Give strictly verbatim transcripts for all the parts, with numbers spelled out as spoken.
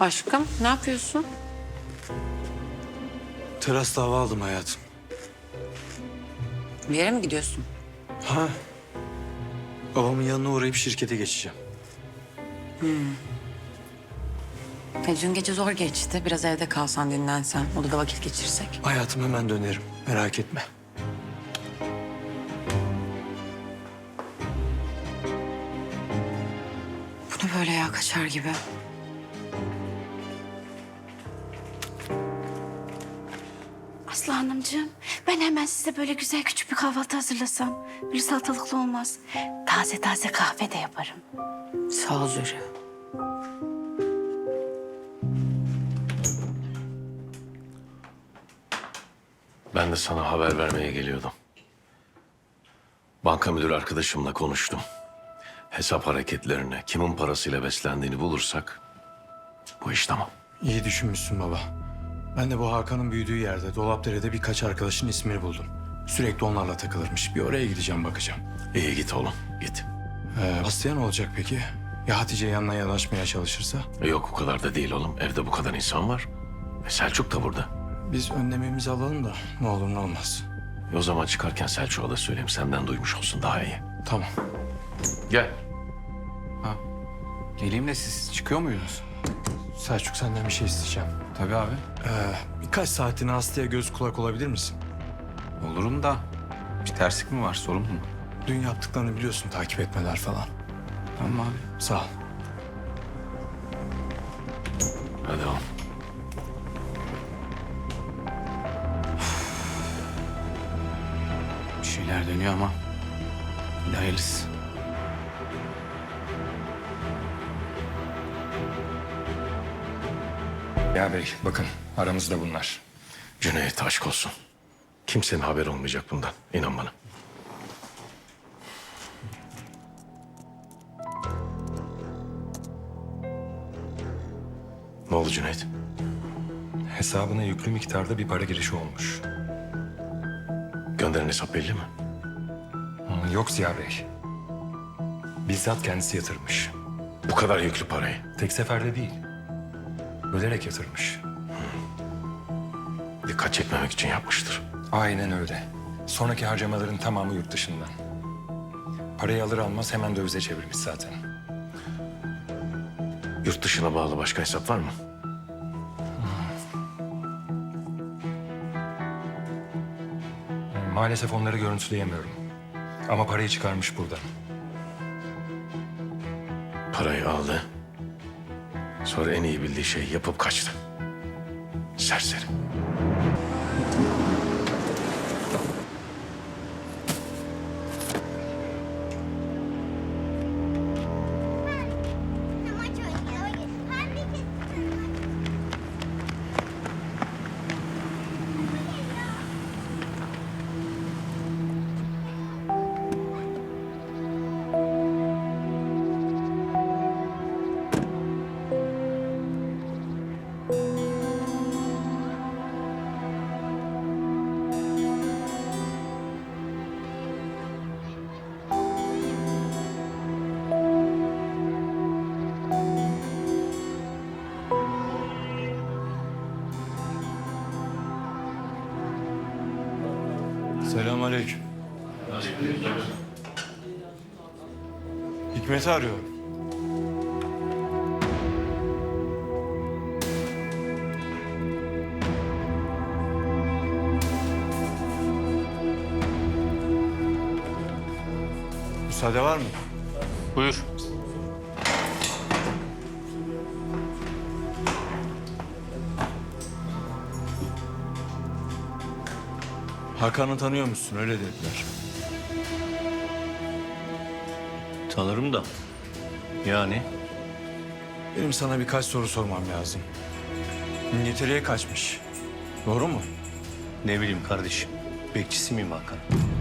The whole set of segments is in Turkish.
Aşkım ne yapıyorsun? Terasta hava aldım hayatım. Bir yere mi gidiyorsun? Ha. Babamın yanına uğrayıp şirkete geçeceğim. E, dün gece zor geçti. Biraz evde kalsan, dinlensen, odada vakit geçirsek. Hayatım hemen dönerim. Merak etme. Bu ne böyle ya, kaçar gibi. Aslı Hanımcığım, ben hemen size böyle güzel küçük bir kahvaltı hazırlasam. Böyle salatalıklı olmaz. Taze taze kahve de yaparım. Sağ ol Zühre. Ben de sana haber vermeye geliyordum. Banka müdürü arkadaşımla konuştum. Hesap hareketlerini, kimin parasıyla beslendiğini bulursak bu iş tamam. İyi düşünmüşsün baba. Ben de bu Hakan'ın büyüdüğü yerde Dolapdere'de birkaç arkadaşın ismini buldum. Sürekli onlarla takılırmış. Bir oraya gideceğim, bakacağım. İyi git oğlum, git. Ee, Aslı'ya ne olacak peki? Ya Hatice yanına yanaşmaya çalışırsa? E Yok o kadar da değil oğlum. Evde bu kadar insan var. E Selçuk da burada. Biz önlememizi alalım da ne olur ne olmaz. E o zaman çıkarken Selçuk'a da söyleyeyim. Senden duymuş olsun, daha iyi. Tamam. Gel. Geleyim de siz çıkıyor muydunuz? Selçuk, senden bir şey isteyeceğim. Tabii abi. Ee, birkaç saatini Aslı'ya göz kulak olabilir misin? Olurum da bir terslik mi var, sorun mu? Dün yaptıklarını biliyorsun, takip etmeler falan. Tamam abi. Sağ ol. Hadi oğlum. Bir şeyler dönüyor ama hadi hayırlısı. Ya bey bakın aramızda bunlar. Cüneyt, aşk olsun. Kimsenin haberi olmayacak bundan. İnan bana. Ne oldu Cüneyt? Hesabına yüklü miktarda bir para girişi olmuş. Gönderen hesap belli mi? Hı, Yok Ziya Bey. Bizzat kendisi yatırmış. Bu kadar yüklü parayı. Tek seferde değil. Bölerek yatırmış. Dikkat çekmemek için yapmıştır. Aynen öyle. Sonraki harcamaların tamamı yurt dışından. Parayı alır almaz hemen dövize çevirmiş zaten. Yurt dışına bağlı başka hesap var mı? Hı, Maalesef onları görüntüleyemiyorum. Ama parayı çıkarmış buradan. Parayı aldı. Sonra en iyi bildiği şeyi yapıp kaçtı. Serseri. Selamünaleyküm. Hikmet'i arıyorum. Müsaade var mı? Buyur. Hakan'ı tanıyor musun? Öyle dediler. Tanırım da. Yani Benim sana birkaç soru sormam lazım. İngiltere'ye kaçmış. Doğru mu? ne bileyim kardeşim. Bekçisi miyim Hakan?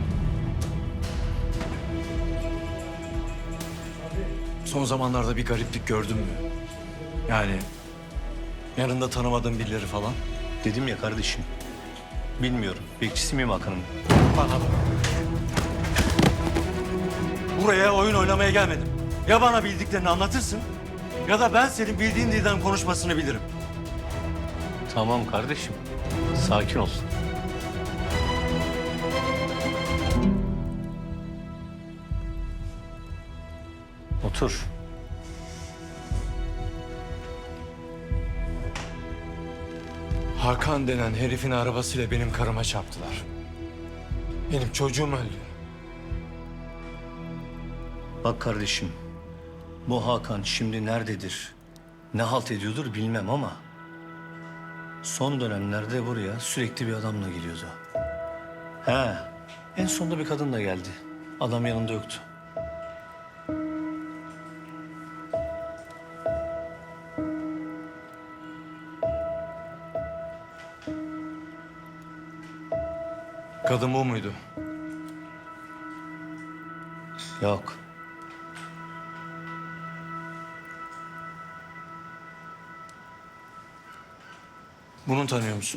Son zamanlarda bir gariplik gördün mü? Yani yanında tanımadığın birileri falan. Dedim ya kardeşim. Bilmiyorum. Bekçisi miyim Hakan'ın? Bana bak. Buraya oyun oynamaya gelmedim. Ya bana bildiklerini anlatırsın Ya da ben senin bildiğin dilden konuşmasını bilirim. Tamam kardeşim. Sakin ol. Otur. Hakan denen herifin arabasıyla benim karıma çarptılar. Benim çocuğum öldü. Bak kardeşim, bu Hakan şimdi nerededir, ne halt ediyordur bilmem ama... ...son dönemlerde buraya sürekli bir adamla geliyordu. He, en sonunda bir kadın da geldi. Adam yanında yoktu. Kadın bu muydu? Yok. Bunu tanıyor musun?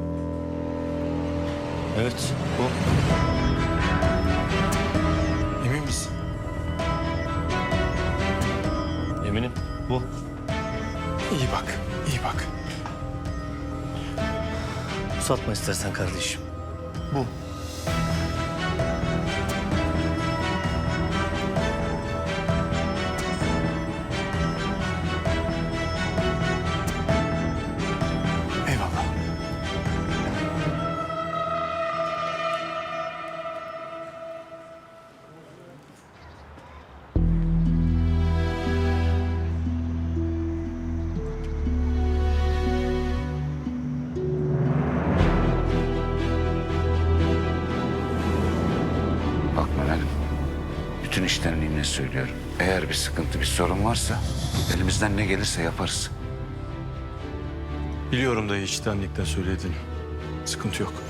Evet, bu. Emin misin? Eminim, bu. İyi bak, iyi bak. Uzatma istersen kardeşim. Bu. Eyvallah. Bak Meral'im, bütün iştenliğimle söylüyorum. Eğer bir sıkıntı, bir sorun varsa elimizden ne gelirse yaparız. Biliyorum da içtenlikle söylediğini. Sıkıntı yok.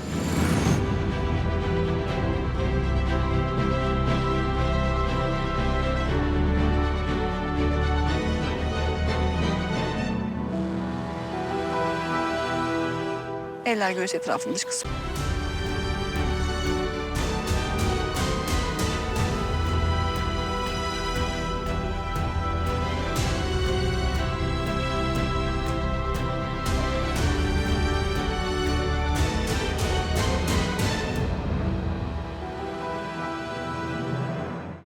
Eller göğüs etrafında dış kısmı.